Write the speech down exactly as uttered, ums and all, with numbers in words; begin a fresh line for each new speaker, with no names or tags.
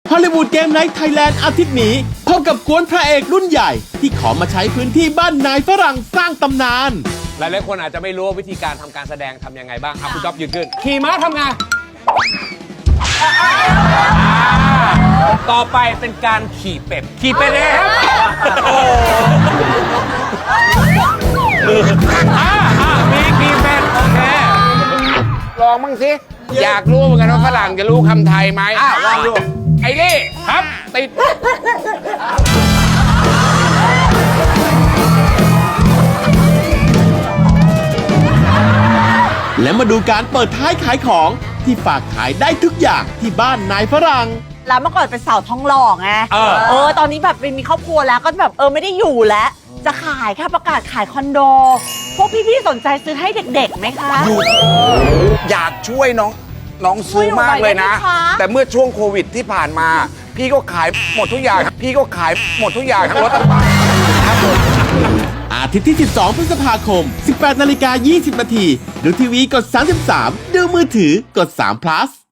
ฮอลลีวูดเกมไนท์ไทยแลนด์อาทิตย์นี้พบกับกวนพระเอกรุ่นใหญ่ที่ขอมาใช้พื้นที่บ้านนายฝรั่งสร้างตำนาน
หลายๆคนอาจจะไม่รู้ว่าวิธีการทำการแสดงทำยังไงบ้างอ่ะคุณจ๊อบยืนขึ้นขี่ม้าทำไงต่อไปเป็นการขี่เป็ดขี่เป็ดเองครับโอ้อ่าอ่ามีขี่เป็ดโอเค
ลองบ้างสิอยากรู้เหมือนกันว่าฝรั่งจะรู้คำไทยไหมอ่ะลองดูไอ้นี่ครับติด
และมาดูการเปิดท้ายขายของที่ฝากขายได้ทุกอย่างที่บ้านนายฝรั่ง
แล้วเมื่อก่อนเป็นสาวท้องหล่อไงเออเออตอนนี้แบบมีครอบครัวแล้วก็แบบเออไม่ได้อยู่แล้วจะขายค่ะประกาศขายคอนโดพวกพี่ๆสนใจซื้อให้เด็กๆไหมคะ
อยากช่วยน้องน้องซื้อมากเลยนะแต่เมื่อช่วงโควิดที่ผ่านมาพี่ก็ขายหมดทุกอย่างพี่ก็ขายหมดทุกอย่างทั้งรถทั้งบ้านครับผม
อาทิตย์ที่สิบสองพฤษภาคม สิบแปดนาฬิกายี่สิบนาทีดูทีวีกดสามสิบสามดูมือถือกดสาม plus